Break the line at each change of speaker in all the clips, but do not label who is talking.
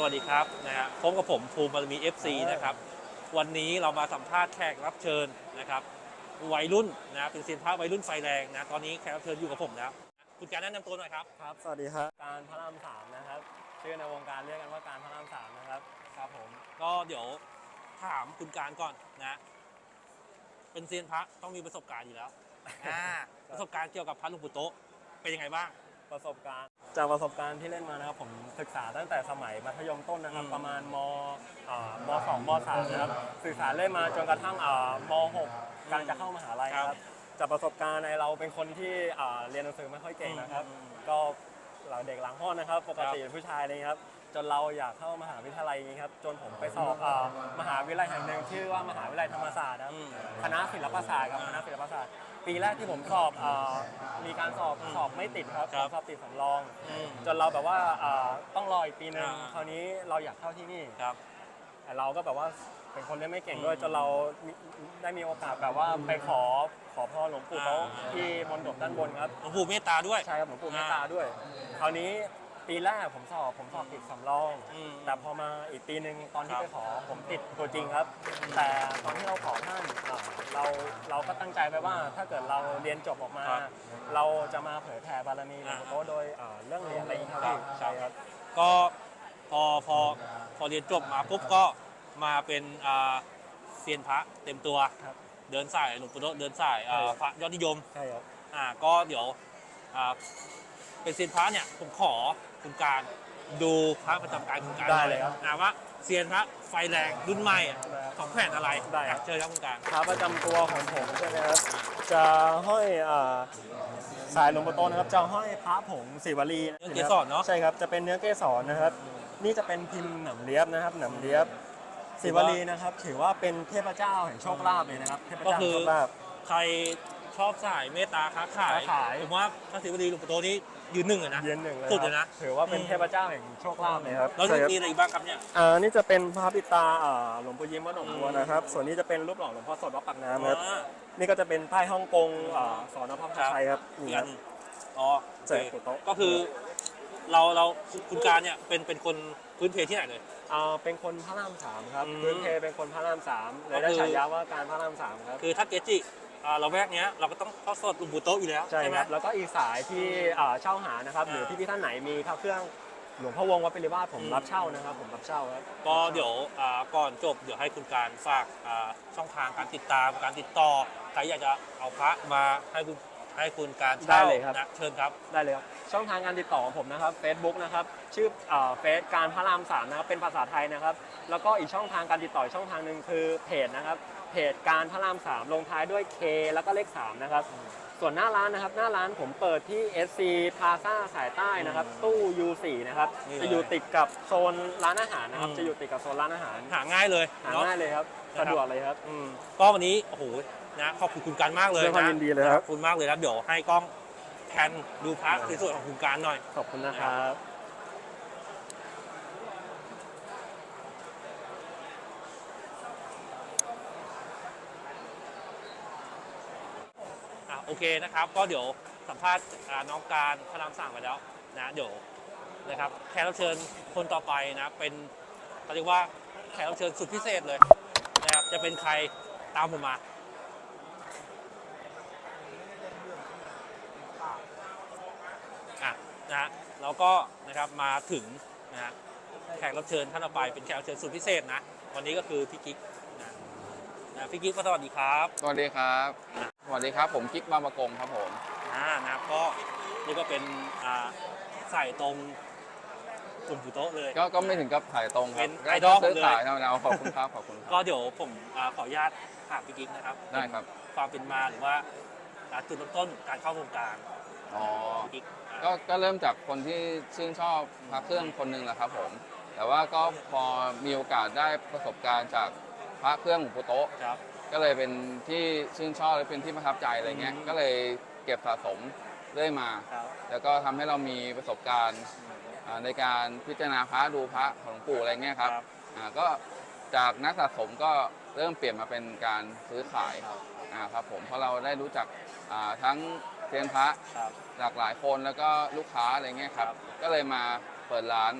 วัสดีครับนะฮะพบกับผมภูมิบารมี FC นะครับวันนี้เรามาสัมภาษณ์แขกรับเชิญนะครับวัยรุ่นนะเป็นเซียนพระวัยรุ่นไฟแรงนะตอนนี้แขกรับเชิญอยู่กับผมแล้วคุณการแนะนำตัวหน่อยครับ
ครับสวัสดีครับการพระรามสามนะครับชื่อในวงการเรียกกันว่าการพระรามสามนะครับ
ครับผมก็เดี๋ยวถามคุณการก่อนนะเป็นเซียนพระต้องมีประสบการณ์อยู่แล้วประสบการณ์เกี่ยวกับพระหลวงปู่โตะเป็นยังไงบ้าง
ประสบการณ์จากประสบการณ์ที่เล่นมานะครับผมศึกษาตั้งแต่สมัยมัธยมต้นนะครับประมาณม2ม3นะครับศึกษาเล่นมาจนกระทั่งม6กำลังจะเข้ามหาลัยครับจากประสบการณ์ในเราเป็นคนที่เรียนหนังสือไม่ค่อยเก่งนะครับก็เราเด็กหลังห้องนะครับปกติผู้ชายเลยครับจนเราอยากเข้ามหาวิทยาลัยนี้ครับจนผมไปสอบมหาวิทยาลัยแห่งหนึ่งชื่อว่ามหาวิทยาลัยธรรมศาสตร์ครับคณะศิลปศาสตร์ครับคณะศิลปศาสตร์ปีแรกที่ผมสอบมีการสอบไม่ติดครับสอบติดสำรองจนเราแบบว่าต้องรออีกปีนึงคราวนี้เราอยากเข้าที่นี่แต่เราก็แบบว่าเป็นคนเล่นไม่เก่งด้วยจนเราได้มีโอกาสแบบว่าไปขอพรหลวงปู่เขาที่มณฑปด้านบนครับ
หลวงปู่เมตตาด้วย
ใช่ครับหลวงปู่เมตตาด้วยคราวนี้ปีแรกผมสอบติดสำรองแต่พอมาอีกปีหนึ่งตอนที่ไปขอผมติดตัวจริงครับแต่ตอนที่เราขอท่านเราก็ตั้งใจไว้ว่าถ้าเกิดเราเรียนจบออกมาเราจะมาเผยแผ่บารมีหลวงปู่โตโดยเรื่องเหรียญอะไรอย่างนี้ครับใช่ครับ
ก็พอเรียนจบมาปุ๊บก็มาเป็นเซียนพระเต็มตัวเดินสายหลวงปู่โตเดินสายพระยอดนิยม
ใช่ครับ
ก็เดี๋ยวเป็นเซียนพระเนี่ยผมขอคุณการดูพระประจำการคุณการ
ได้เลยครับ
ว่าเซียนพระไฟแรงรุ่นใหม่ของแผ่นอะไรเชิญครับคุณการ
พระประจำตัวของผมใช่ไหมครับจะห้อยสายหลวงปู่โตนะครับจะห้อยพระผงศิวลี
เนื้อเกสรเนาะ
ใช่ครับจะเป็นเนื้อเกสรนะครับนี่จะเป็นพิมพ์หนำเลียบนะครับหนำเลียบศิวลีนะครับถือว่าเป็นเทพเจ้าแห่งโชคลาภเลยนะครับเทพเจ้าแห่งโชคลาภ
ใครชอบสายเมตตาค้าขายผมว่าพระศิวลีหลวงปู่โตนี้ยืนหนึ่งเลยนะ
ยืนหนึ่งเลย
สุดเลยนะ
ถือว่าเป็นเทพเจ้าแห่งโชคลาภเลยครับ
แล้วมีอะไรบ้างครับเนี่ย
นี่จะเป็นพระปิตาหลวงปู่ยิ้มวัดหนองบัวนะครับส่วนนี้จะเป็นรูปหล่อหลวงพ่อสดวัดปากน้ำครับนี่ก็จะเป็นป้ายฮ่องกงสอนพระพชัยครับ
นี่ครับเจ๋ก็คือเราคุณการเนี่ยเป็นคนพื้นเพที่ไหนเลย
เป็นคนพระรามสามครับพื้นเพเป็นคนพระรามสามเลยได้ฉายาว่าการพระรามสามครับ
คือถ้าเกจิเราแวกเนี้ยเราก็ต้องเข้าสดหลวงปู่โตอยู่แล้ว
ใช่ไหมแล้วก็อีกสายที่เช่าหานะครับหรือพี่ท่านไหนมีพระเครื่องหลวงพ่อวงวัดปิริวาสผมรับเช่านะครับผมรับเช่าครับ
ก็เดี๋ยวก่อนจบเดี๋ยวให้คุณการฝากช่องทางการติดตามการติดต่อใครอยากจะเอาพระมาให้คุณการเช่านะเชิญครับ
ได้เลยครับช่องทางการติดต่อของผมนะครับ Facebook นะครับชื่อเฟซการพระรามสามนะครับเป็นภาษาไทยนะครับแล้วก็อีกช่องทางการติดต่อช่องทางหนึ่งคือเพจนะครับเพจการพระราม3ลงท้ายด้วย K แล้วก็เลข3นะครับส่วนหน้าร้านนะครับหน้าร้านผมเปิดที่ SC Plaza สายใต้นะครับตู้ U4 นะครับจะอยู่ติดกับโซนร้านอาหารนะครับจะอยู่ติดกับโซนร้านอาหาร
หาง่ายเลย
ครับสะดวกเลยครับ
ก็วันนี้โอ้โหนะขอบคุณคุณการมากเลย
นะยินดีเลยครับ
ขอบคุณมากเลยครับเดี๋ยวให้กล้องแทนดูพระสวยๆของคุณการหน่อย
ขอบคุณนะครับ
โอเคนะครับก็เดี๋ยวสัมภาษณ์น้องการพระราม3ไปแล้วนะเดี๋ยวนะครับแขกรับเชิญคนต่อไปนะเป็นเขาเรียกว่าแขกรับเชิญสุดพิเศษเลยนะครับจะเป็นใครตามผมมานะฮะแล้วก็นะครับมาถึงนะฮะแขกรับเชิญท่านต่อไปเป็นแขกรับเชิญสุดพิเศษนะวันนี้ก็คือพี่กิ๊กนะพี่กิ๊กสวัสดีครับ
สวัสดีครับสวัสดีครับผมกิ๊กบางประกงครับผม
นะก็นี่ก็เป็นใส่ตรงกลุ่มผู้โต๊ะเลย
ก็ไม่ถึงกับถ่ายตรง
เป็นไอดอล
ซื้อ
เลย
ขายธรรมดาขอบคุณครับขอบคุณ
ก็เดี๋ยวผมขออนุญาตถามพี่กิ๊กนะครับ
ได้ครับ
ความเป็นมาหรือว่าจุดเริ่มต้นการเข้าวงการ
ก็เริ่มจากคนที่ชื่นชอบพระเครื่องคนหนึ่งแหละครับผมแต่ว่าก็พอมีโอกาสได้ประสบการณ์จากพระเครื่องหลวงปู่โต๊ะก็เลยเป็นที่ชื่นชอบและเป็นที่ประทับใจอะไรเงี้ยก็เลยเก็บสะสมเรื่อยมาแล้วก็ทำให้เรามีประสบการณ์ในการพิจารณาพระดูพระของหลวงปู่อะไรเงี้ยครับก็จากนักสะสมก็เริ่มเปลี่ยนมาเป็นการซื้อขายครับผมเพราะเราได้รู้จักทั้งเซียนพระหลากหลายคนแล้วก็ลูกค้าอะไรเงี้ยครับก็เลยมาเปิดร้าน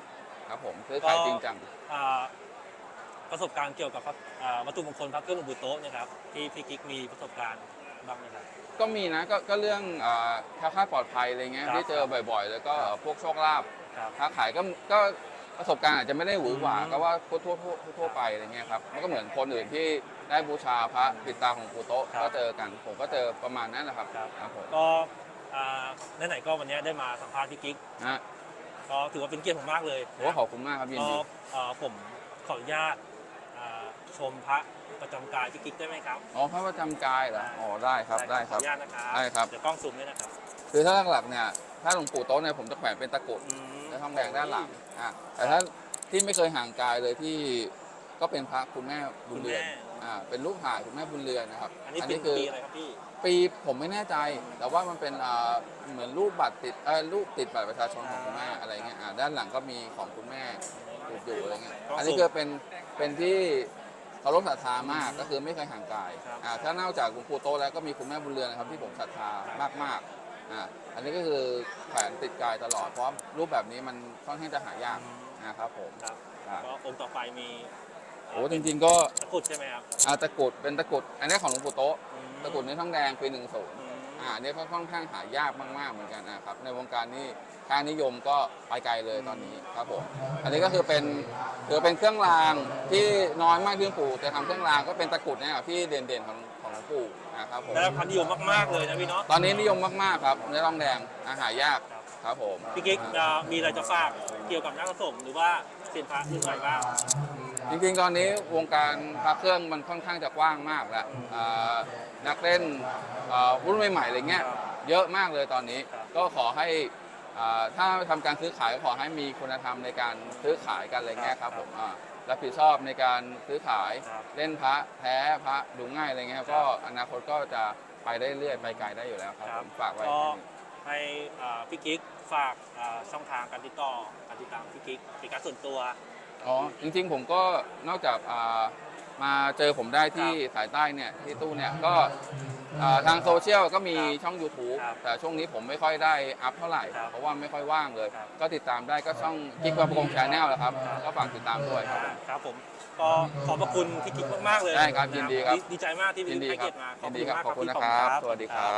ครับผมซื้อขายจริงจัง
อ่าประสบการณ์เกี่ยวกับวัตถุมงคลพระเครื่องหลวงปู่โต๊ะเนี่ยครับที่พี่กิ๊กมีประสบการณ์บ้างไหมครับ
ก็มีนะก็เรื่องแคล้วคลาดปลอดภัยอะไรเงี้ย
ครับ
ที่เจอบ่อยๆ แล้วก็พวกโชคลาภ
ครับ
ค้าขายก็ประสบการณ์อาจจะไม่ได้หวือหวา
อืม
ก็ว่าทั่วไปอะไรเงี้ยครับมันก็เหมือนคนอื่นที่ได้บูชาพระปิดตาของปู่โต๊ะ
ครับ
ก็เจอกันผมก็เจอประมาณนั้นแหละครับ
ครับ
ครับผม
ก็ไหนๆก็วันนี้ได้มาสัมภาษณ์พี่กิ๊ก
นะ
ก็ถือว่าเป็นเกียรติผมมากเลย
โอ้ขอบคุณมากครับยิน
ก็
ดี
ผมขออนุญาตชมพระประจำกายพี่กิ๊กได้ไหมครับ
อ๋อพระประจำกายเหรออ๋อได้ครับได้ค
ขอ
รับ
อนุญาตนะครับ
ได้ครับ
เดี๋ยวกล้องซูมด้วยนะครับ
คือถ้าหลักๆเนี่ยถ้าหลวงปู่โต๊ะเนี่ยผมจะแขวนเป็นตะกรุด
อืม
และทองแดงด้านหลังแต่ถ้าที่ไม่เคยห่างกายเลยที่ก็เป็นพระคุณแม่บุญเรือนเป็นรูปถ่ายคุณแม่บุญเรือนนะครับ
อันนี้เป็นปีอะไรครับพี่
ปีผมไม่แน่ใจ แต่ว่ามันเป็นเหมือนรูปบัตรติดรูปติดบัตรประชาชนของคุณแม่อะไรเงี้ยด้านหลังก็มีของคุณแม่ติดอยู่อะไรเงี้ย
ก็
อันนี้คือเป็นที่เคารพศรัทธามากก็คือไม่เคยห่างกาย
ครับ
ถ้านอกจากหลวงปู่โตะแล้วก็มีคุณแม่บุญเรือนนะครับที่ผมศรัทธามากๆอันนี้ก็คือแขวนติดกายตลอดเพราะรูปแบบนี้มันค่อนข้างจะหายากนะครับผม
ครับ
ครับ
ก็องค์ต่อไปมี
โอ้จริงๆก็
ตะกรุดใช่ไหมครับ
ตะกรุดเป็นตะกรุดอันนี้ของหลวงปู่โตะ
อืม
ตะกรุดในทองแดงปี10
อืม
อันนี้ก็ค่อนข้างหายากมากๆเหมือนกันนะครับในวงการนี้ค่านิยมก็ไปไกลเลยตอนนี้ครับผมอันนี้ก็คือเป็นเครื่องรางที่น้อยมากที่หลวงปู่จะทำเครื่องรางก็เป็นตะกรุดเนี่ยที่เด่นๆของหลวงปู่นะครับผม
ได้รับความนิยมมากๆเลยนะพี่เนาะ
ตอนนี้นิยมมากๆครับในทองแดงหายากครับผม
พี่กิ๊กมีอะไรจะฝากเกี่ยวกับนักผสมหรือว่าเซียนพระรุ่นใหม่บ้าง
จริงๆ ตอนนี้วงการพระเครื่องมันค่อนข้างจะกว้างมากแล้วนักเล่นรุ่นใหม่ๆอะไรเงี้ยเยอะมากเลยตอนนี้
ครับ
ก็ขอให้ถ้าทำการซื้อขายก็ขอให้มีคุณธรรมในการซื้อขายกันอะไรเงี้ยครับผมรับผิดชอบในการซื้อขาย
ครับ
เล่นพระแท้พระดูง่ายอะไรเงี้ยครับก็อนาคตก็จะไปได้เรื่อยไปไกลได้อยู่แล้วครับผมฝากไว้
ก็ให้พี่กิ๊กฝากช่องทางการติดต่อการติดตามพี่กิ๊กเป็นการส่วนตัว
อ๋อจริงๆผมก็นอกจากมาเจอผมได้ที่
ครับ
สายใต้เนี่ยที่ตู้เนี่ยก็ทางโซเชียลก็มี
ครับ
ช่อง YouTube
ครับ
แต่ช่วงนี้ผมไม่ค่อยได้อัพเท่าไหร่
ครับ
เพราะว่าไม่ค่อยว่างเลย
ครับ
ก็ติดตามได้ก็ช่องกิ๊กวาประกงชาแนลแหละครับ
ครับ
ก็ฝากติดตามด้วยครับ
ครับผมก็ขอบพระคุณพี่กิ๊กมากๆเลย
ได้ครับยินดีครับ
ดีใจมากที่
ยินดี
ให้
ครั
เกียรติมา
ยินดีครับขอบคุณ
มาก
นะครับ
พี่
สวัสดีครับ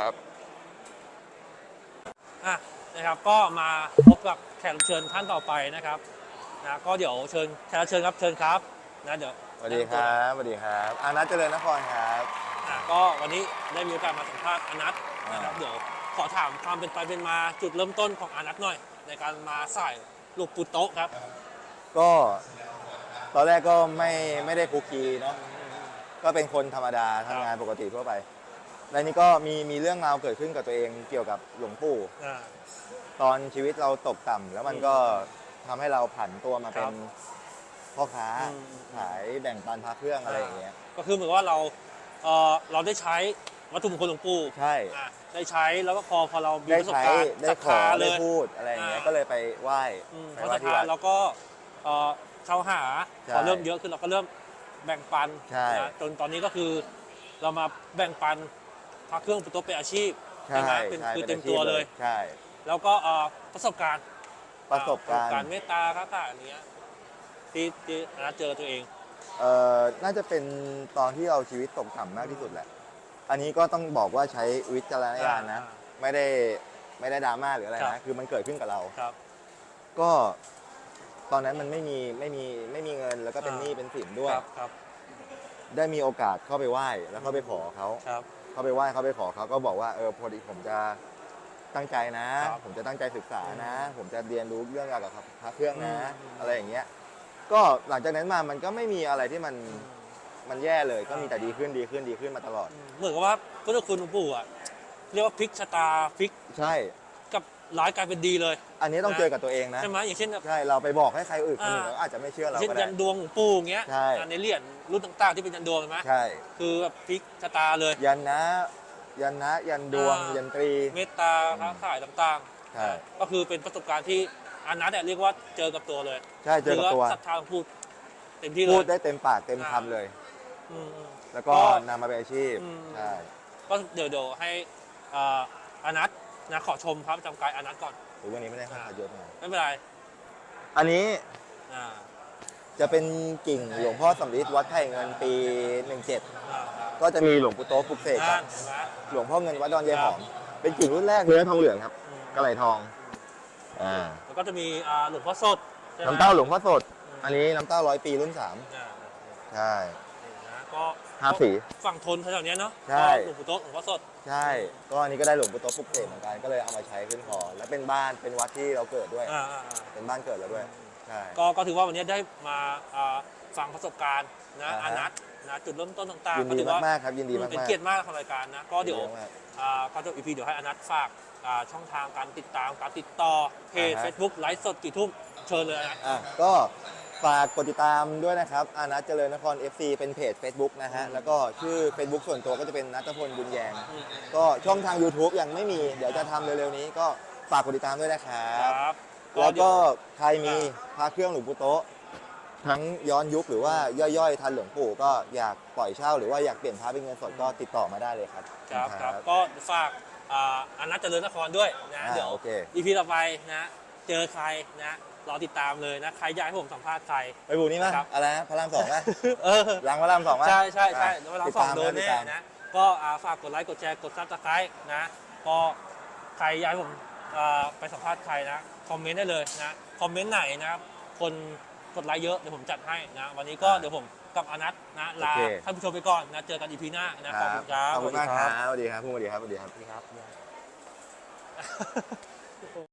นะครับก็มาพบกับแขกรับเชิญท่านต่อไปนะครับนะก็เดี๋ยวเชิญแขกรับเชิญครับเชิญครับนะเดี๋ยว
สวัสดีครับสวัสดีครับอานัทเจริญนครครับ
ก็วันนี้ได้มีโอกาสมาสัมภาษณ์อานัทนะครับเดี๋ยวขอถามความเป็นไปเป็นมาจุดเริ่มต้นของอานัทหน่อย ในการมาใส่ลูกปูโต๊ะครับ
ก็ตอนแรกก็ไม่ได้คุกคีเนาะก็เป็นคนธรรมดาทำงานปกติทั่วไปแล้วนี่ก็มีเรื่องราวเกิดขึ้นกับตัวเองเกี่ยวกับหลวงปู่
อ่า
ตอนชีวิตเราตกต่ำแล้วมันก็ทำให้เราผันตัวมาเป็
ครั
น
บ
พ่อค้า
อืม
ขายแบ่งปันพระเครื่องอะไรอย่างเงี้ย
ก็คือเหมือนว่าเราได้ใช้วัตถุมงคลหลวงปู่
ใช่
ได้ใช้แล้วก็พอเรามี
ได้
ประสบ
ใช้
การณ์
ได้
ศรัท
ขอ
ธาเล
ได้
ย
พูดอะไรอย่างเงี้ย
อ่า
ก็เลยไปไหว้
เพ
ไป
ราะ
ไหว้
ศรัท
ที่
ธา
วัด
แล้วก็เข้าหา
ใช่
พอเริ่มเยอะขึ้นเราก็เริ่มแบ่งปัน
ใช่
นะจนตอนนี้ก็คือเรามาแบ่งปันพระเครื่องปูโต๊ะเป็นอาชีพ
ใช่
ไหมเป็น
ใช่
คือ
ป็น
เต็ม
อาชีพ
ตัวเลย
ใช่
แล้วก็ประสบการณ์
ประสบการณ์
การเมตตาค้าขายอันเนี้ยที่อาเจอตัวเอง
น่าจะเป็นตอนที่เราชีวิตตกต่ำมากที่สุดแหละ อันนี้ก็ต้องบอกว่าใช้วิจารณญาณนะ ไม่ได้ดราม่าหรืออะไร
ครั
นะ
บ
คือมันเกิดขึ้นกับเรา
ครับ
ก็ตอนนั้นมันไม่มีเงินแล้วก็เป็นหนี้เป็นสินด้วย
ครับ
ได้มีโอกาสเข้าไปไหว้แล้วเข้าไปขอเขา
ครับ
เข้าไปไหว้เข้าไปขอเขาก็บอกว่าพอดีผมจะตั้งใจนะ
ครับ
ผมจะตั้งใจศึกษานะ ผมจะเรียนรู้เรื่องเกี่ยวกับพระเครื่องนะ
อืม
อะไรอย่างเงี้ย ก็หลังจากนั้นมามันก็ไม่มีอะไรที่มันแย่เลยก็มีแต่ดีขึ้นมาตลอด
เหมือนกับว่าพุทธคุณหลวงปู่อ่ะเรียกว่าพลิกชะตาพลิก
ใช่
กับร้ายกลายเป็นดีเลย
อันนี้ต้องเจอกับตัวเองนะ
ใช่ไหมอย่างเช่นแบบ
ใช่เราไปบอกให้ใครอื่นคนอื่น
อ่า
เขาอาจจะไม่เชื่อเรา
เช่น
ก็ได้
ยันดวงหลวงปู่อย่างเงี้ย
ใช่
ในเหรียญรุ่นต่างๆที่เป็นยันดวงใช่ไหม
ใช่
คือแบบพลิกชะตาเลย
ยันนะยันดวง
อ่ายั
ยันตรี
เมตตาค้าขายต่างๆ
ใช่
ก็คือเป็นประสบการณ์ที่อานัทเนี่ยเรียกว่าเจอกับตัวเลย
ใช่เจอกับตัว
หรืาศรัทธาหลวงปู่เต็มที่เลย
พูดได้เต็มปากเต็มคำเลย
อืม
แล้วก็
ก็
นำมาเป็นอาชีพ
อืม
ใช่
ก็เดี๋ยวให้อานัทนะขอชมพระประจำกายอานัทก่อน
หรือวันนี้ไม่ได้ค่าเยอะมาก
ไม่เป็นไร
อันนี้
อ่า
จะเป็นกิ่งหลวงพ่อสำริดวัดไผ่เงินปี 17 ก็จะมีหลวงปู่โต๊ะปลุกเสกกับ
เห็นไหม
หลวงพ่อเงินวัดดอนยายหอม เป็นกิ่งรุ่นแรกเนื้อทองเหลืองครับกระไหลทอง
แล้วก็จะมีหลวงพ่อสดใช่ไหม
น้ำเต้าหลวงพ่อสด อันนี้น้ำเต้า100 ปีรุ่น 3
อ่า
ใช่
นี่นะก็
ห้าสี
ฝั่งทนแถวๆเนี้ยเนาะ
ใช่
ก็หลวงปู่โต๊ะหลวงพ่อสด
ใช่ ก็อันนี้ก็ได้หลวงปู่โต๊ะปลุกเสกเหมือนกัน ก็เลยเอามาใช้ขึ้นคอและเป็นบ้าน เป็นวัดที่เราเกิดด้วย
อ่า
เป็นบ้านเกิดเราด้วย ใช่
ก็ถือว่าวันนี้ได้มาฟังประสบการณ์นะ
อ่าฮะ
อานัทนะจุดเริ่มต้นต่าง
ยิ
ๆ
น
ก็
ดี
ถือว่าม
ากๆครับ ยินดีมากๆ
เป็นเกียรติมากของรายการนะก็เดี๋ยว
ยินมาก
ก็จบ EP เดี๋ยวให้อานัทฝากช่องทางการติดตามการติดต่อเพจ
อ่าฮะ
Facebook ไลฟ์สดกี่ทุ่มเชิญเลยอานัท
ก็ฝากกดติดตามด้วยนะครับอานัทเจริญนคร FC เป็นเพจ Facebook นะฮะ แล้วก็ชื่อ Facebook ส่วนตัวก็จะเป็นนัทพลบุญแยง ก็ช่องทาง YouTube ยังไม่มี เดี๋ยวจะทำเร็วๆนี้ ก็ฝากกดติดตามด้วยนะครับ
ครับ
แล้ว
เดี๋
ก็
ย
ใครมีพระเครื่องหลวงปู่โต๊ะ ทั้งย้อนยุคหรือว่าย่อยๆ ทันหลวงปู่ก็อยากปล่อยเช่าหรือว่าอยากเปลี่ยนพระเป็นเงินสดก็ติดต่อมาได้เลยครับ
ครับก็ฝากอานัทเจริญนครด้วยนะเดี๋ยว
โอเค
EP ต่อไปนะเจอใครนะรอติดตามเลยนะใครอยากให้ผมสัมภาษณ์ใคร
ไปบูนี่มั้ย
ครับ
อะไรนะพระราม2มั้ย
เออ
หลังพระราม2มั้ย
ใช่แล้วเรา
ติด
สอง
ตาม
โดน
ติด
แน่
ตาม
นะก็ฝากกดไลค์กดแชร์กดซับสไครต์นะก็ใครอยากให้ผมไปสัมภาษณ์ใครนะคอมเมนต์ได้เลยนะคอมเมนต์ไหนนะครับคนกดไลค์เยอะเดี๋ยวผมจัดให้นะวันนี้ก็เดี๋ยวผมกับอานัทนะลา
โอเค
ท่านผู้ชมไปก่อนนะเจอกัน EP หน้านะขอบคุณครับ
ขอบคุณมาก
ส
ค
วั
รั
สดี
บสวัสดีครับสวัสดีครับสวัสดีครับ
ครับ